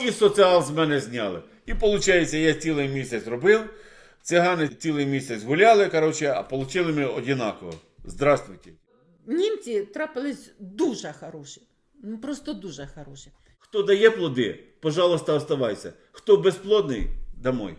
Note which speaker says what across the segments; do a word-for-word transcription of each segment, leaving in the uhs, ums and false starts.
Speaker 1: І соціал з мене зняли. І виходить, я цілий місяць робив, цигани цілий місяць гуляли, коротше, а отримали ми однаково. Здравствуйте.
Speaker 2: Німці трапились дуже хороші. Ну просто дуже хороші.
Speaker 1: Хто дає плоди, пожалуйста, оставайся. Хто безплодний, домой.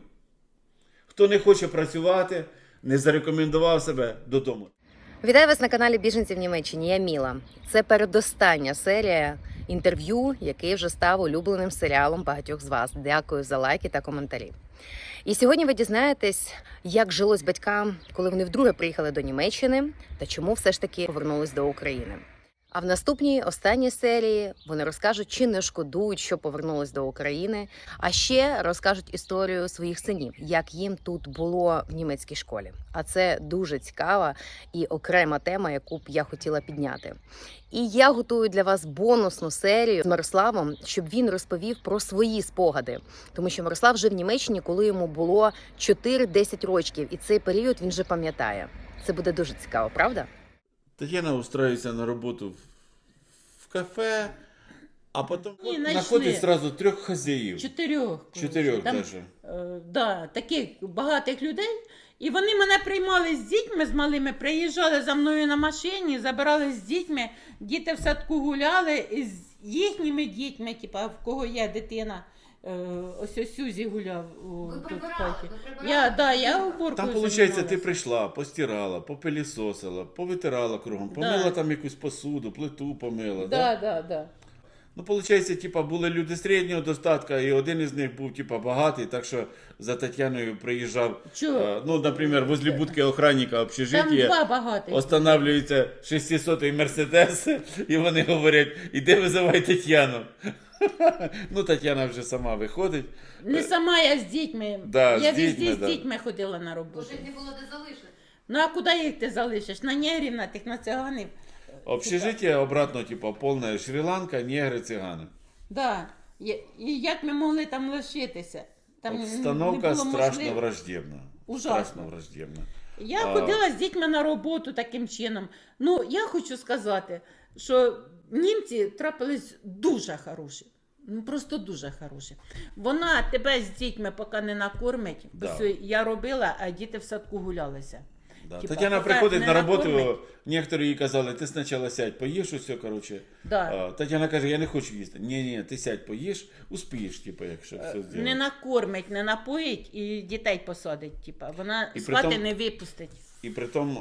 Speaker 1: Хто не хоче працювати, не зарекомендував себе, додому.
Speaker 3: Вітаю вас на каналі Біженці в Німеччині. Я Міла. Це передостання серія інтерв'ю, який вже став улюбленим серіалом багатьох з вас. Дякую за лайки та коментарі. І сьогодні ви дізнаєтесь, як жилось батькам, коли вони вдруге приїхали до Німеччини, та чому все ж таки повернулись до України. А в наступній, останній серії вони розкажуть, чи не шкодують, що повернулись до України, а ще розкажуть історію своїх синів, як їм тут було в німецькій школі. А це дуже цікава і окрема тема, яку б я хотіла підняти. І я готую для вас бонусну серію з Мирославом, щоб він розповів про свої спогади. Тому що Мирослав жив в Німеччині, коли йому було чотири-десять років, і цей період він вже пам'ятає. Це буде дуже цікаво, правда?
Speaker 1: Тетяна устраивается на роботу в, в кафе, а потім
Speaker 2: Ні,
Speaker 1: знаходить
Speaker 2: начни.
Speaker 1: сразу трьох хазяїв.
Speaker 2: Чотирьох.
Speaker 1: Чотирьох
Speaker 2: Там,
Speaker 1: даже.
Speaker 2: Е, да, таких багатих людей. І вони мене приймали з дітьми, з малими, приїжджали за мною на машині, забирали з дітьми, діти в садку гуляли, і з їхніми дітьми, типа, в кого є дитина. Е, ось ось Сюзі гуляв у
Speaker 3: Ви
Speaker 2: тут
Speaker 3: прибирали,
Speaker 2: в хаті.
Speaker 3: ви прибирали.
Speaker 2: Я, да, я уборкою
Speaker 1: Там, виходить,
Speaker 2: займалась.
Speaker 1: ти прийшла, постирала, попилісосила, повитирала кругом, помила
Speaker 2: Да.
Speaker 1: там якусь посуду, плиту помила.
Speaker 2: Да, да, да.
Speaker 1: Ну, виходить, типа, були люди середнього достатку, і один із них був, типа, багатий, так що за Тетяною приїжджав,
Speaker 2: Чого?
Speaker 1: е, ну, наприклад, возле будки охранника
Speaker 2: Там
Speaker 1: общежиття,
Speaker 2: два багатих.
Speaker 1: останавливається шестисотий Мерседес, і вони говорять, іди визивай Тетяну. Ну, Тетяна вже сама виходить.
Speaker 2: Не сама я з дітьми.
Speaker 1: Да,
Speaker 2: я
Speaker 1: з дітьми,
Speaker 2: везде з
Speaker 1: да.
Speaker 2: дітьми ходила на роботу.
Speaker 3: Може, їх не було де залишити.
Speaker 2: Ну а куди їх ти залишиш? На негрів, на тих, на циганів.
Speaker 1: Общежиття обратно, типа, повна Шрі-Ланка, негри, цигани.
Speaker 2: Да. І, і як ми могли там лишитися? Там не-
Speaker 1: Обстановка
Speaker 2: не було
Speaker 1: страшно
Speaker 2: можливо-
Speaker 1: враждебна.
Speaker 2: Ужасно.
Speaker 1: Страшно враждебна.
Speaker 2: Я
Speaker 1: А.
Speaker 2: ходила з дітьми на роботу таким чином. Ну, я хочу сказати, що німці трапились дуже хороші. Ну, просто дуже хороші. Вона тебе з дітьми поки не накормить.
Speaker 1: Да.
Speaker 2: Ось я робила, а діти в садку гулялися.
Speaker 1: Да.
Speaker 2: Типа,
Speaker 1: Тетяна
Speaker 2: поки
Speaker 1: приходить
Speaker 2: не
Speaker 1: на роботу,
Speaker 2: накормить.
Speaker 1: некоторі їй казали, ти спочатку сядь, поїж усе, коротше.
Speaker 2: Да.
Speaker 1: А, Тетяна каже, я не хочу їсти. Ні, ні, ти сядь, поїж, успієш, типу, якщо все зробити.
Speaker 2: Не накормить, не напоїть і дітей посадить. Типа. Вона
Speaker 1: І
Speaker 2: з
Speaker 1: при
Speaker 2: хати
Speaker 1: тому-
Speaker 2: не випустить.
Speaker 1: І при тому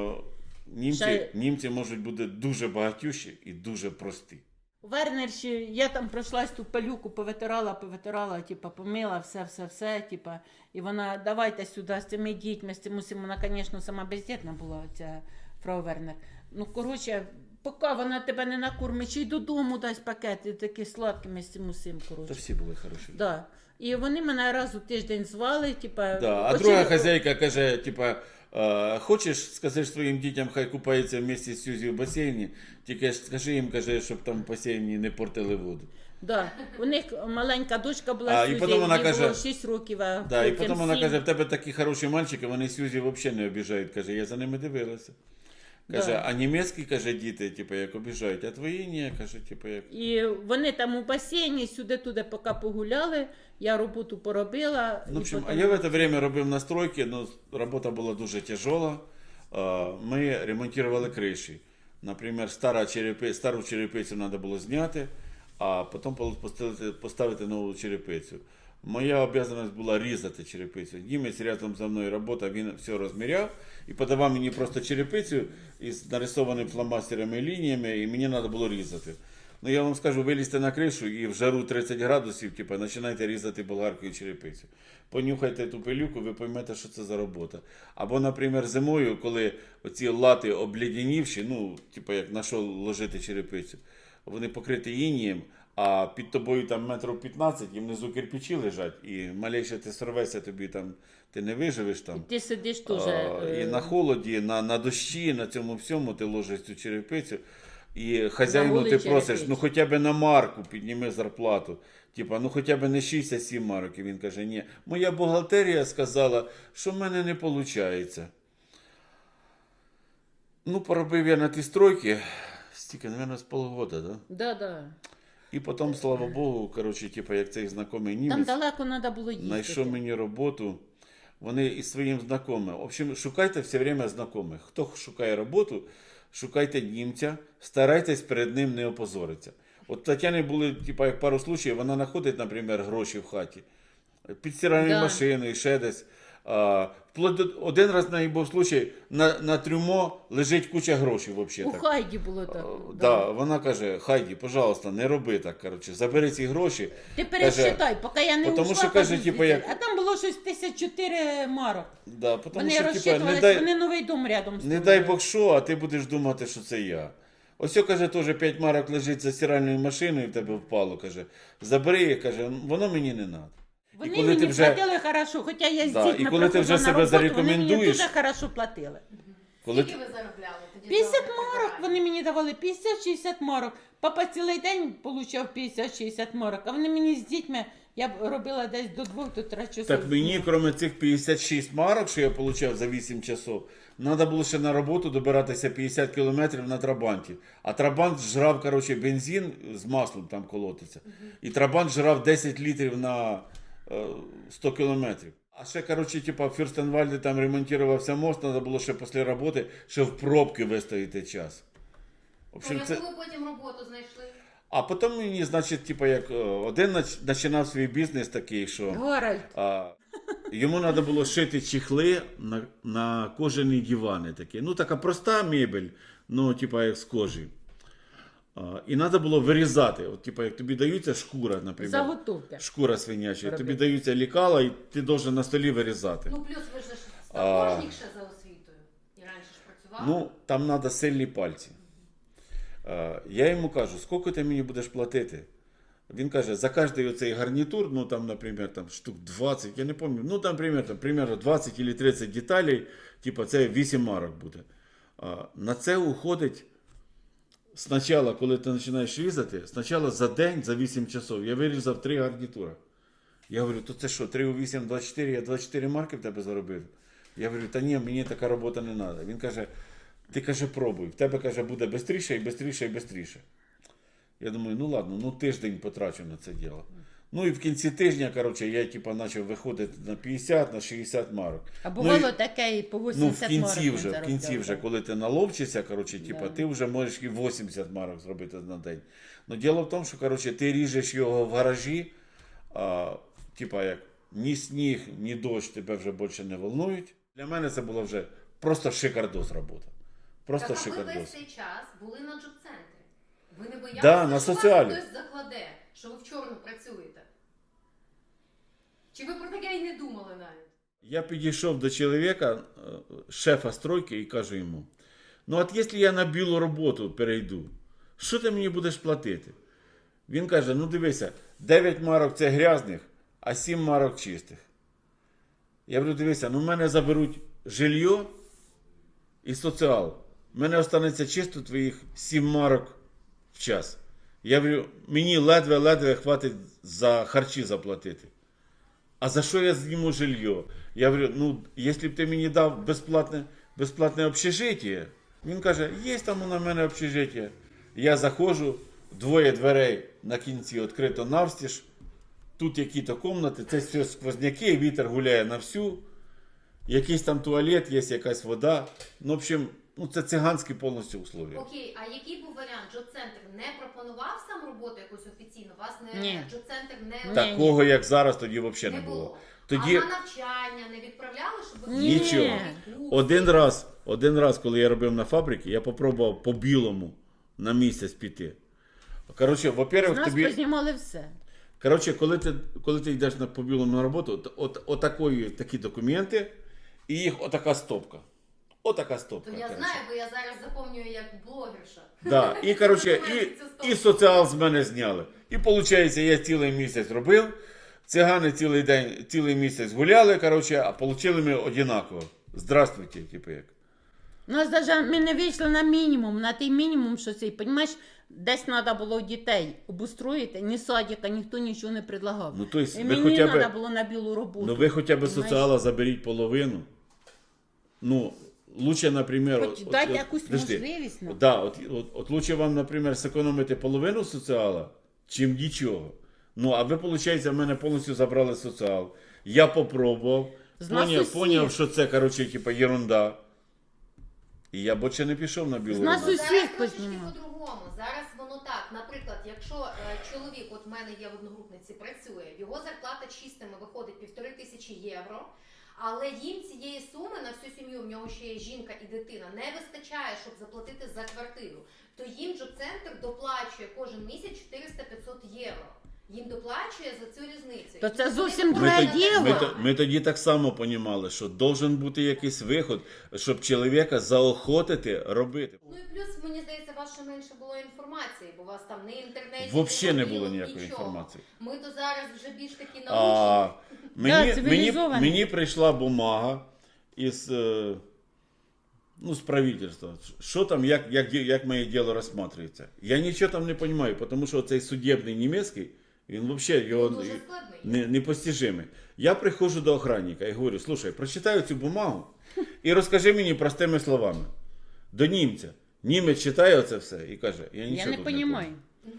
Speaker 1: е, німці,
Speaker 2: Ще-
Speaker 1: німці можуть бути дуже багатющі і дуже прості.
Speaker 2: У Вернерші я там пройшлась ту пилюку, повитирала, повитирала, типа, помила, все, все, все, типа. І вона, давайте сюди з цими дітьми, з цим усім. Вона, звісно, сама бездітна була, ця фрау Вернер. Ну, коротше, поки вона тебе не накормить, чи й додому дасть пакети такі сладкими з цим усім,
Speaker 1: Та
Speaker 2: коротше.
Speaker 1: всі були хороші.
Speaker 2: Да. І вони мене раз у тиждень звали, типа.
Speaker 1: Да. А
Speaker 2: оці-
Speaker 1: друга хазяйка каже, типа, е, хочеш, скажеш своїм дітям, хай купаються вместе з Сюзі в басейні, тільки ж скажи їм, каже, щоб там в басейні не портили воду.
Speaker 2: Да. У них маленька дочка була,
Speaker 1: А, і
Speaker 2: Сюзі,
Speaker 1: потім вона
Speaker 2: їй
Speaker 1: каже-
Speaker 2: було шість років, а
Speaker 1: Да, і
Speaker 2: хлопцям
Speaker 1: потім вона
Speaker 2: сім.
Speaker 1: каже, в тебе такі хороші мальчики, вони Сюзі взагалі не обіжають. Каже, я за ними дивилася. Каже,
Speaker 2: Да.
Speaker 1: а німецькі, каже, діти, типу, як обіжають, а твої ні, каже, типу, як.
Speaker 2: І вони там у басейні сюди-туди поки погуляли, я роботу поробила.
Speaker 1: Ну, в
Speaker 2: і
Speaker 1: общем, а
Speaker 2: потім-
Speaker 1: я в це время робив настройки, но робота була дуже тяжела. А, Ми ремонтували криші. Наприклад, стара черепи, стару черепицю треба було зняти, а потім поставити, поставити нову черепицю. Моя обов'язаність була різати черепицю. Німець рядом за мною працював, він все розміряв і подавав мені просто черепицю із нарисованими фломастерами і лініями, і мені треба було різати. Ну я вам скажу, вилізьте на кришу і в жару тридцять градусів, типу, починайте різати болгаркою черепицю. Понюхайте ту пилюку, ви поймете, що це за робота. Або, наприклад, зимою, коли оці лати обледенівші, ну, типу, як на що ложити черепицю, вони покриті інієм, а під тобою там метрів п'ятнадцять, і внизу кирпичі лежать, і малейше ти сорвешся, тобі там, ти не виживеш там.
Speaker 2: Ти сидиш теж.
Speaker 1: А,
Speaker 2: е,
Speaker 1: І на холоді, на, на дощі, на цьому всьому ти ложиш цю черепицю. І хазяїну
Speaker 2: голий
Speaker 1: ти просиш,
Speaker 2: черепиць.
Speaker 1: ну хоча б на марку підніми зарплату. Типа, ну хоча б не шість, а сім марок. І він каже, ні, моя бухгалтерія сказала, що в мене не виходить. Ну, поробив я на ті стройки, стільки, мабуть, з полгода, да?
Speaker 2: Да, да.
Speaker 1: І потім, слава Богу, коротше, типу, як цей знайомий
Speaker 2: Там
Speaker 1: німець
Speaker 2: далеко треба було їздити.
Speaker 1: знайшов мені роботу. Вони із своїм знайомим. В общем, шукайте все время знайомих. Хто шукає роботу, шукайте німця, старайтесь перед ним не опозоритися. От Тетяни були, типу, як пару случаїв, вона знаходить, наприклад, гроші в хаті, під стиральною
Speaker 2: Да.
Speaker 1: машиною, ще десь. А, вплоть до, один раз в неї був случай, на, на трюмо лежить куча грошей взагалі.
Speaker 2: У Хайді було так.
Speaker 1: Да, вона каже, Хайді, пожалуйста, не роби так, коротше, забери ці гроші.
Speaker 2: Ти пересчитай, поки я не
Speaker 1: Потому
Speaker 2: ушла,
Speaker 1: що, каже,
Speaker 2: кажу,
Speaker 1: типу,
Speaker 2: звідси.
Speaker 1: як-
Speaker 2: А там було щось тисяч чотири марок.
Speaker 1: Да, потому
Speaker 2: Вони
Speaker 1: що, типа,
Speaker 2: розчитувалися,
Speaker 1: не дай,
Speaker 2: вони новий дом рядом
Speaker 1: не
Speaker 2: строили.
Speaker 1: дай Бог що, а ти будеш думати, що це я. Ось, о, каже, теж п'ять марок лежить за стиральною машиною, в тебе впало, каже, забери, каже, воно мені не треба.
Speaker 2: Вони
Speaker 1: коли
Speaker 2: мені
Speaker 1: ти вже-
Speaker 2: платили хорошо, хоча я з
Speaker 1: Да,
Speaker 2: дітьми
Speaker 1: і коли ти вже
Speaker 2: приходила на
Speaker 1: себе
Speaker 2: роботу, вони мені
Speaker 1: зарекомендуєш-
Speaker 2: дуже хорошо платили.
Speaker 1: Коли
Speaker 4: Скільки ви заробляли тоді?
Speaker 2: п'ятдесят
Speaker 4: за
Speaker 2: марок
Speaker 4: прибирання?
Speaker 2: вони мені давали, п'ятдесят-шістдесят марок. Папа цілий день отримав п'ятдесят-шістдесят марок, а вони мені з дітьми, я б робила десь до двох, до трьох часов.
Speaker 1: Так мені, крім цих п'ятдесят шість марок, що я отримав за вісім часов, треба було ще на роботу добиратися п'ятдесят кілометрів на Трабанті. А Трабант жрав, коротше, бензин з маслом там колотиться. І Трабант жрав десять літрів на е, сто кілометрів. А ще, коротше, типа, в Фюрстенвальді там ремонтувався мост, треба було ще після роботи, ще в пробки вистояти час. В
Speaker 4: Ну,
Speaker 1: общем,
Speaker 4: яку
Speaker 1: це...
Speaker 4: ви потім роботу знайшли?
Speaker 1: А потім мені, значить, типа, як е, один нач- починав свій бізнес такий, що...
Speaker 2: Горальд.
Speaker 1: А, йому треба було шити чехли на, на кожані дивани такі. Ну, така проста мебель, ну, типа як з кожі. А, і треба було вирізати. От, типа, як тобі даються шкура, наприклад.
Speaker 2: Заготовки.
Speaker 1: Шкура свиняча.
Speaker 2: Робити.
Speaker 1: Тобі даються лікала, і ти должен на столі вирізати.
Speaker 4: Ну, плюс ви ж
Speaker 1: А.
Speaker 4: сапожник ще за освітою. І раніше ж працював.
Speaker 1: Ну, там треба сильні пальці. А, я йому кажу, скільки ти мені будеш платити? Він каже, за кожний оцей гарнітур, ну там, наприклад, там, штук двадцять, я не пам'ятаю, ну там, примерно, там, примерно двадцять або тридцять деталей, типу, це вісім марок буде. А, на це уходить спочатку, коли ти починаєш різати, спочатку за день, за вісім часов, я вирізав три гарнітура. Я говорю, то це що, три у вісім, двадцять чотири, я двадцять чотири марки в тебе заробив? Я говорю, та ні, мені така робота не треба. Він каже, ти, каже, пробуй, в тебе, каже, буде швидше і швидше і швидше. Я думаю, ну ладно, ну тиждень потрачу на це діло. Ну і в кінці тижня, коротше, я типа почав виходити на п'ятдесят, на шістдесят марок.
Speaker 2: А
Speaker 1: Ну,
Speaker 2: бувало
Speaker 1: і-
Speaker 2: таке і по
Speaker 1: Ну, в
Speaker 2: вісімдесят марок.
Speaker 1: кінці
Speaker 2: він
Speaker 1: вже, в
Speaker 2: заробляв,
Speaker 1: кінці вже,
Speaker 2: так.
Speaker 1: коли ти наловчишся, коротше, типа,
Speaker 2: Да.
Speaker 1: ти вже можеш і вісімдесят марок зробити на день. Ну, діло в тому, що, коротше, ти ріжеш його в гаражі, а, типа, як ні сніг, ні дощ тебе вже більше не волнують. Для мене це було вже просто шикардос робота. Просто
Speaker 4: Так, а ви
Speaker 1: шикардос.
Speaker 4: весь цей час були на джоб-центрі. Ви не боялися,
Speaker 1: Да, на
Speaker 4: що
Speaker 1: соціалі.
Speaker 4: вас хтось закладе, що ви в чорну працюєте? Чи ви про таке і не думали навіть?
Speaker 1: Я підійшов до чоловіка, е, шефа стройки, і кажу йому: ну от якщо я на білу роботу перейду, що ти мені будеш платити? Він каже: ну дивися, дев'ять марок це грязних, а сім марок чистих. Я говорю, дивися, ну в мене заберуть жилье і соціал. В мене останеться чисто твоїх сім марок в час. Я говорю, мені ледве-ледве хватить за харчі заплатити. А за що я зніму жилье? Я говорю, ну, якщо б ти мені дав безплатне, безплатне общежиття, він каже, є там у мене общежиття. Я заходжу, двоє дверей на кінці відкрито навстіж, тут які-то кімнати, це все сквозняки, вітер гуляє на всю, якийсь там туалет, є якась вода. Ну, в общем, ну, це циганські повністю условия.
Speaker 4: Окей, а який був варіант? Джоб-центр не пропонував сам роботу якусь офіційно? Вас не
Speaker 2: Ні.
Speaker 4: джоб-центр не,
Speaker 2: Ні.
Speaker 1: Такого, як зараз, тоді взагалі
Speaker 4: не
Speaker 1: не
Speaker 4: було.
Speaker 1: було. Тоді
Speaker 4: А на навчання не відправляли, щоб ви
Speaker 2: Ні.
Speaker 1: нічого. Один раз, один раз, коли я робив на фабриці, я попробував по білому на місяць піти. Коротше,
Speaker 2: З
Speaker 1: во-первых,
Speaker 2: нас
Speaker 1: тобі...
Speaker 2: познімали все.
Speaker 1: Коротше, коли ти, коли ти йдеш на по білому на роботу, то от, отакої, такі документи, і їх отака стопка. Отака стопка.
Speaker 4: То я
Speaker 1: коротше.
Speaker 4: знаю, бо я зараз заповнюю як блогерша.
Speaker 1: Да. І, коротше, і, і соціал з мене зняли. І виходить, я цілий місяць робив, цигани цілий день, цілий місяць гуляли, коротше, а отримали ми однаково. Здравствуйте, типу як.
Speaker 2: У нас даже ми не вийшли на мінімум, на той мінімум, що цей, понімаєш, десь треба було дітей обустроїти, ні садика, ніхто нічого не предлагав.
Speaker 1: Ну, то есть
Speaker 2: І
Speaker 1: ви
Speaker 2: мені
Speaker 1: хоча б-
Speaker 2: треба було на білу роботу.
Speaker 1: Ну ви хоча б
Speaker 2: понімаєш?
Speaker 1: соціала заберіть половину. Ну, лучше, наприклад...
Speaker 2: Хоч дайте якусь
Speaker 1: подожди.
Speaker 2: можливість нам.
Speaker 1: Да, от, от, от лучше вам, наприклад, зекономити половину соціала, чим нічого. Ну, а ви, виходить, в мене повністю забрали соціал. Я попробував,
Speaker 2: З нас
Speaker 1: поняв,
Speaker 2: усіх.
Speaker 1: поняв, що це, коротше, типа, ерунда. І я більше не пішов на білу
Speaker 2: З нас
Speaker 1: роботу.
Speaker 2: усіх
Speaker 4: Зараз трошечки
Speaker 2: познімали.
Speaker 4: по-другому. Зараз воно так. Наприклад, якщо е, чоловік, от в мене є в одногрупниці, працює, його зарплата чистими виходить півтори тисячі євро, але їм цієї суми на всю сім'ю, в нього ще є жінка і дитина, не вистачає, щоб заплатити за квартиру. То їм джоб-центр доплачує кожен місяць чотириста-п'ятсот євро. Їм доплачує за цю різницю.
Speaker 2: То
Speaker 4: І
Speaker 2: це
Speaker 4: вони
Speaker 2: зовсім
Speaker 1: Ми,
Speaker 2: друге
Speaker 4: виходять
Speaker 1: тоді,
Speaker 2: діло.
Speaker 1: ми,
Speaker 4: на
Speaker 1: то- ми тоді так само розуміли, що должен бути якийсь виход, щоб чоловіка заохотити робити.
Speaker 4: Ну і плюс, мені здається, у вас ще менше було інформації, бо у вас там не інтернеті.
Speaker 1: Взагалі не було
Speaker 4: мобілок,
Speaker 1: ніякої
Speaker 4: нічого.
Speaker 1: інформації.
Speaker 4: Ми то зараз вже більш такі
Speaker 1: А,
Speaker 4: научні.
Speaker 1: мені, мені,
Speaker 2: цивілізовано.
Speaker 1: мені прийшла бумага із, е, ну, з правительства. Що там, як, як, ді- як моє діло розглядається. Я нічого там не розумію, тому що цей судебний німецький, він взагалі його
Speaker 4: Дуже складний.
Speaker 1: не, непостижимий. Я приходжу до охранника і говорю, слушай, прочитаю цю бумагу і розкажи мені простими словами. До німця. Німець читає оце все і каже, я
Speaker 2: Я
Speaker 1: нічого
Speaker 2: не
Speaker 1: тут
Speaker 2: розумію.
Speaker 1: понял.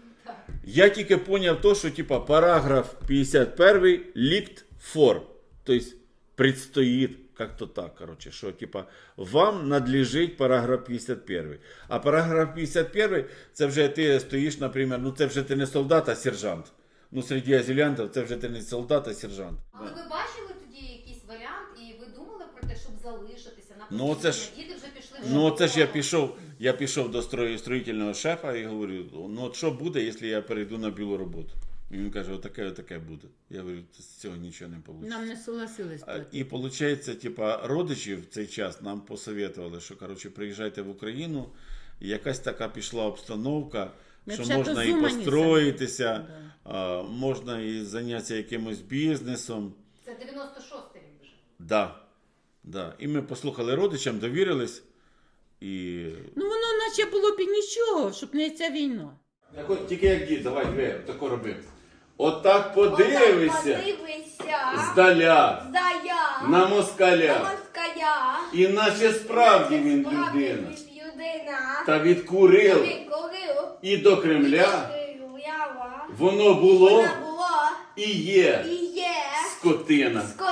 Speaker 1: Я тільки поняв то, що типа параграф п'ятдесят перший лікт фор. Тобто предстоїть, как-то так, короче, що типа вам надлежить параграф п'ятдесят перший. А параграф п'ятдесят перший, це вже ти стоїш, наприклад, ну це вже ти не солдат, а сержант. Ну, серед азилянтів це вже ти не солдат, а сержант.
Speaker 4: Але ви бачили тоді якийсь варіант, і ви думали про те, щоб залишитися на
Speaker 1: Ну, це ж-
Speaker 4: діти вже пішли в
Speaker 1: Ну, це ж я
Speaker 4: школу.
Speaker 1: пішов, я пішов до строї- строїтельного шефа і говорю, ну от що буде, якщо я перейду на білу роботу? І він каже, отаке, отаке буде. Я говорю, з цього нічого не вийде.
Speaker 2: Нам не согласились.
Speaker 1: А,
Speaker 2: платити.
Speaker 1: І виходить, типа, родичі в цей час нам посоветували, що коротше, приїжджайте в Україну, і якась така пішла обстановка,
Speaker 2: Ми
Speaker 1: що
Speaker 2: взагалі
Speaker 1: можна і
Speaker 2: зумані
Speaker 1: построїтися,
Speaker 2: самі.
Speaker 1: а, можна і зайнятися якимось бізнесом.
Speaker 4: Це дев'яносто шостий рік вже.
Speaker 1: Да, да. І ми послухали родичам, довірились. І...
Speaker 2: Ну воно наче було б і нічого, щоб не ця війна.
Speaker 1: Так от, тільки як дід, давай, дві, тако роби. Отак подивися
Speaker 5: Подивися.
Speaker 1: здаля
Speaker 5: Зая.
Speaker 1: на москаля.
Speaker 5: москаля.
Speaker 1: І наче справді він
Speaker 5: Справді
Speaker 1: людина.
Speaker 5: він людина.
Speaker 1: Та від Курил
Speaker 5: Він курив.
Speaker 1: і до Кремля
Speaker 5: Уява.
Speaker 1: воно було
Speaker 5: Вона була
Speaker 1: і є
Speaker 5: і є
Speaker 1: скотина.
Speaker 5: скотина.